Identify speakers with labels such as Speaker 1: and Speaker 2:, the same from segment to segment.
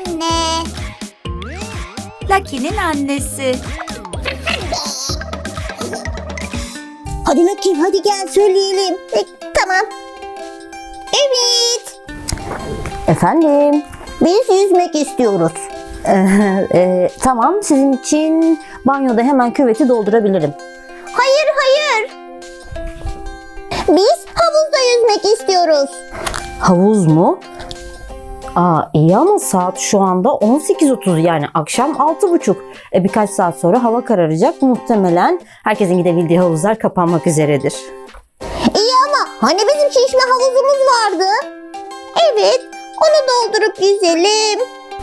Speaker 1: anne.
Speaker 2: Lucky'nin annesi.
Speaker 1: Hadi Lucky, hadi gel söyleyelim. Tamam. Evet.
Speaker 3: Efendim?
Speaker 1: Biz yüzmek istiyoruz.
Speaker 3: Tamam, sizin için banyoda hemen küveti doldurabilirim.
Speaker 1: Hayır, hayır. Biz havuzda yüzmek istiyoruz.
Speaker 3: Havuz mu? İyi ama saat şu anda 18:30, yani akşam 6:30. Birkaç saat sonra hava kararacak. Muhtemelen herkesin gidebildiği havuzlar kapanmak üzeredir.
Speaker 1: İyi ama hani bizim şişme havuzumuz vardı? Evet, onu doldurup yüzelim.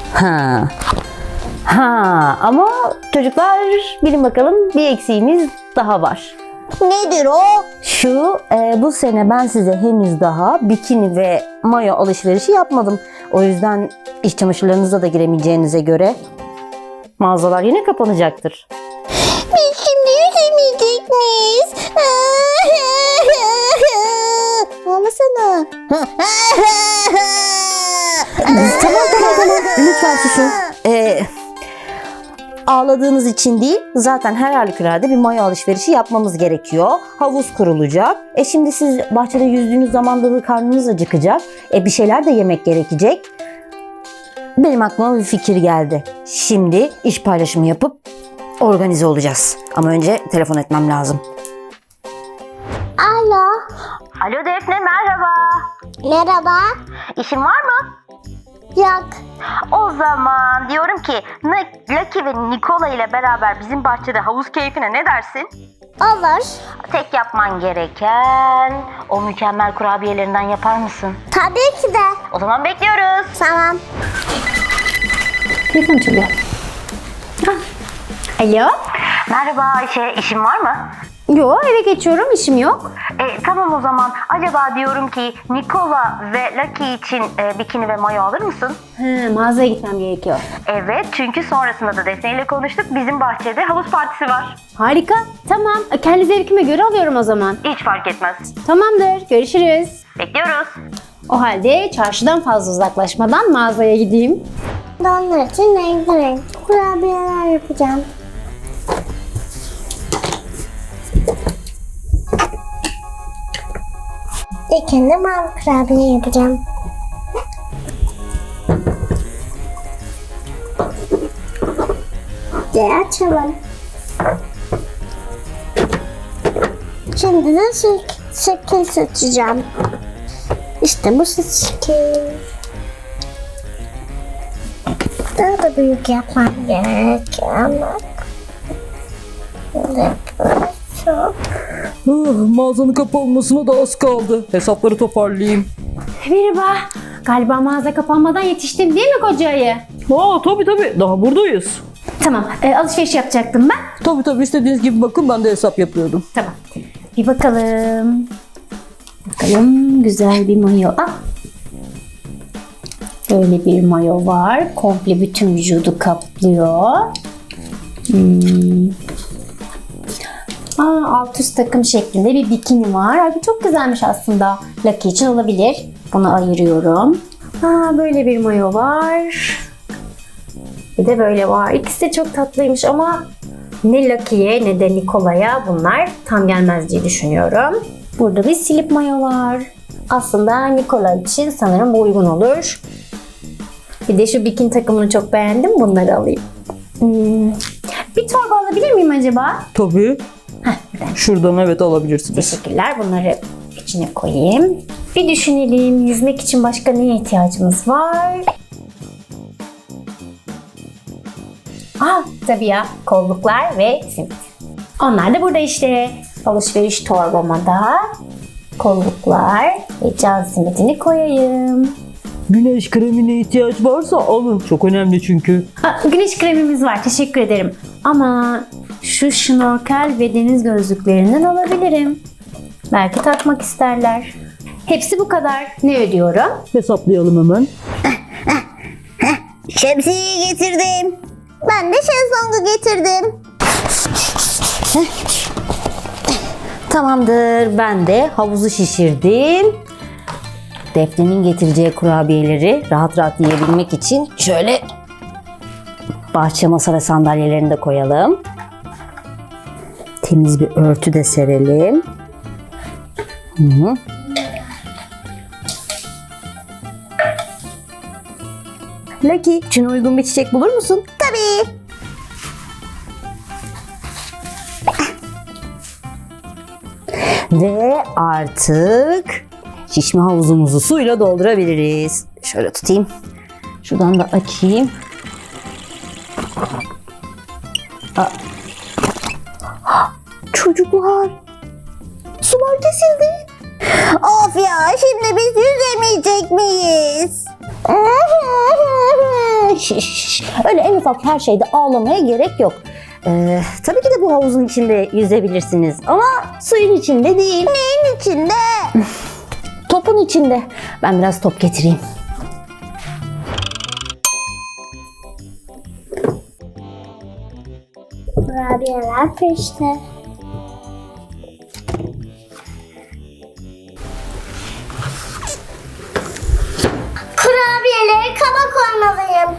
Speaker 3: Ama çocuklar, bilin bakalım, bir eksiğimiz daha var.
Speaker 1: Nedir o?
Speaker 3: Bu sene ben size henüz daha bikini ve mayo alışverişi yapmadım. O yüzden iç çamaşırlarınıza da giremeyeceğinize göre mağazalar yine kapanacaktır.
Speaker 1: Biz şimdi yüzemeyecek miyiz? Ağlasana.
Speaker 3: Tamam. Lütfen susun. Ağladığınız için değil, zaten her halükarda bir mayo alışverişi yapmamız gerekiyor. Havuz kurulacak. Şimdi siz bahçede yüzdüğünüz zaman da karnınız acıkacak. Bir şeyler de yemek gerekecek. Benim aklıma bir fikir geldi. Şimdi iş paylaşımı yapıp organize olacağız. Ama önce telefon etmem lazım.
Speaker 1: Alo.
Speaker 3: Alo Defne, merhaba.
Speaker 1: Merhaba.
Speaker 3: İşin var mı?
Speaker 1: Yok.
Speaker 3: O zaman diyorum ki Lucky ve Nikola ile beraber bizim bahçede havuz keyfine ne dersin?
Speaker 1: Olur.
Speaker 3: Tek yapman gereken o mükemmel kurabiyelerinden yapar mısın?
Speaker 1: Tabii ki de.
Speaker 3: O zaman bekliyoruz.
Speaker 1: Tamam.
Speaker 2: Telefon çalıyor. Alo?
Speaker 3: Merhaba Ayşe, işin var mı?
Speaker 2: Yo, eve geçiyorum, işim yok.
Speaker 3: Tamam o zaman. Acaba diyorum ki Nikola ve Lucky için bikini ve mayo alır mısın?
Speaker 2: Mağazaya gitmem gerekiyor.
Speaker 3: Evet, çünkü sonrasında da Defne ile konuştuk. Bizim bahçede havuz partisi var.
Speaker 2: Harika, tamam. Kendi zevkime göre alıyorum o zaman.
Speaker 3: Hiç fark etmez.
Speaker 2: Tamamdır, görüşürüz.
Speaker 3: Bekliyoruz.
Speaker 2: O halde çarşıdan fazla uzaklaşmadan mağazaya gideyim.
Speaker 1: Onlar için renkli kurabiyeler yapacağım. İlkinde mavi kurabiye yapacağım. Açalım. Şimdi de şekil seçeceğim. İşte bu şekil. Daha da büyük yapmam gerekiyor ama. Çok.
Speaker 4: Mağazanın kapanmasına da az kaldı. Hesapları toparlayayım.
Speaker 2: Merhaba. Galiba mağaza kapanmadan yetiştim değil mi koca ayı?
Speaker 4: Tabii daha buradayız.
Speaker 2: Tamam, alışveriş yapacaktım ben.
Speaker 4: Tabii istediğiniz gibi bakın, ben de hesap yapıyordum.
Speaker 2: Tamam. Bir bakalım. Bakalım, güzel bir mayo. Böyle bir mayo var. Komple bütün vücudu kaplıyor. Alt üst takım şeklinde bir bikini var. Bu çok güzelmiş aslında. Lucky için olabilir. Bunu ayırıyorum. Böyle bir mayo var. Bir de böyle var. İkisi de çok tatlıymış ama ne Lucky'ye ne de Nikola'ya bunlar tam gelmez diye düşünüyorum. Burada bir slip mayo var. Aslında Nikola için sanırım bu uygun olur. Bir de şu bikini takımını çok beğendim. Bunları alayım. Bir torba alabilir miyim acaba?
Speaker 4: Tabii. Şuradan evet alabilirsiniz.
Speaker 2: Teşekkürler. Bunları içine koyayım. Bir düşünelim. Yüzmek için başka neye ihtiyacımız var? Tabii ya. Kolluklar ve simit. Onlar da burada işte. Alışveriş torbama da kolluklar ve can simitini koyayım.
Speaker 4: Güneş kremine ihtiyaç varsa alın. Çok önemli çünkü.
Speaker 2: Güneş kremimiz var. Teşekkür ederim. Ama şu şnorkel ve deniz gözlüklerinden alabilirim. Belki takmak isterler. Hepsi bu kadar. Ne ödüyorum?
Speaker 4: Hesaplayalım hemen.
Speaker 1: Şemsiyeyi getirdim. Ben de şezlongu getirdim.
Speaker 3: Tamamdır, ben de havuzu şişirdim. Defne'nin getireceği kurabiyeleri rahat rahat yiyebilmek için şöyle bahçe masa ve sandalyelerini de koyalım. Temiz bir örtü de serelim. Hı. Lucky, için uygun bir çiçek bulur musun?
Speaker 1: Tabii.
Speaker 3: Ve artık şişme havuzumuzu suyla doldurabiliriz. Şöyle tutayım. Şuradan da açayım. Çocuklar, sular kesildi.
Speaker 1: Of ya, şimdi biz yüzemeyecek miyiz?
Speaker 3: Şş, öyle en ufak her şeyde ağlamaya gerek yok. Tabii ki de bu havuzun içinde yüzebilirsiniz ama suyun içinde değil.
Speaker 1: Neyin içinde?
Speaker 3: Topun içinde. Ben biraz top getireyim.
Speaker 1: Kurabiyeler peşte. Kurabiyeleri kaba koymalıyım.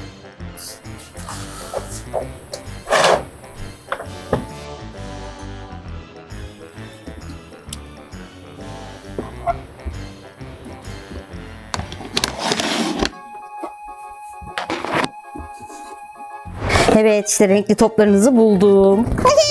Speaker 3: Evet, işte renkli toplarınızı buldum.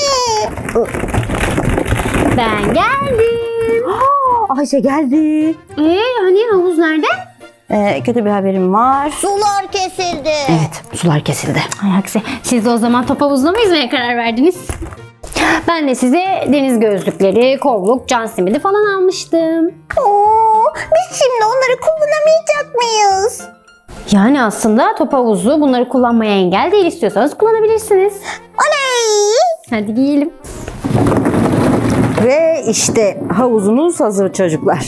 Speaker 2: Ben geldim.
Speaker 3: Ayşe geldi.
Speaker 2: Hani havuz nerede?
Speaker 3: Kötü bir haberim var.
Speaker 1: Sular kesildi.
Speaker 3: Evet, sular kesildi.
Speaker 2: Ay aksi. Siz de o zaman top havuzuna mı yüzmeye karar verdiniz? Ben de size deniz gözlükleri, kolluk, can simidi falan almıştım.
Speaker 1: Oo, biz şimdi onları kullanamayacak mıyız?
Speaker 2: Yani aslında top havuzu bunları kullanmaya engel değil, istiyorsanız kullanabilirsiniz.
Speaker 1: Oley!
Speaker 2: Hadi giyelim.
Speaker 3: Ve işte havuzunuz hazır çocuklar.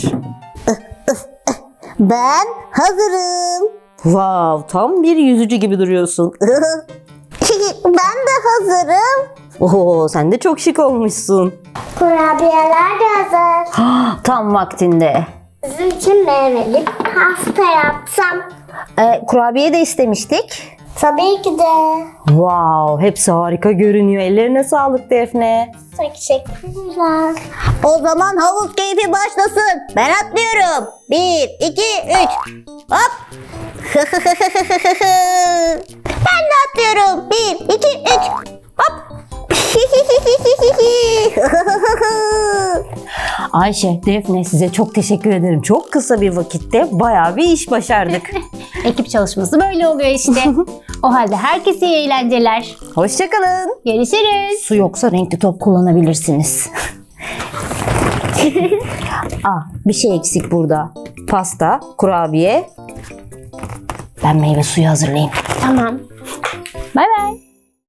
Speaker 1: Ben hazırım.
Speaker 3: Wow, tam bir yüzücü gibi duruyorsun.
Speaker 1: Ben de hazırım.
Speaker 3: Oo, sen de çok şık olmuşsun.
Speaker 1: Kurabiyeler de hazır.
Speaker 3: Tam vaktinde.
Speaker 1: Sizin için meyveli pasta yapsam.
Speaker 3: Kurabiye de istemiştik.
Speaker 1: Tabii ki de.
Speaker 3: Wow, hepsi harika görünüyor. Ellerine sağlık Defne.
Speaker 1: Teşekkürler. O zaman havuz keyfi başlasın. Ben atlıyorum. 1, 2, 3. Hop. Ben de atlıyorum. 1, 2, 3. Hop.
Speaker 3: Ayşe, Defne size çok teşekkür ederim. Çok kısa bir vakitte bayağı bir iş başardık.
Speaker 2: Ekip çalışması böyle oluyor işte. O halde herkese iyi eğlenceler.
Speaker 3: Hoşçakalın.
Speaker 2: Görüşürüz.
Speaker 3: Su yoksa renkli top kullanabilirsiniz. Bir şey eksik burada. Pasta, kurabiye. Ben meyve suyu hazırlayayım.
Speaker 2: Tamam. Bay bay.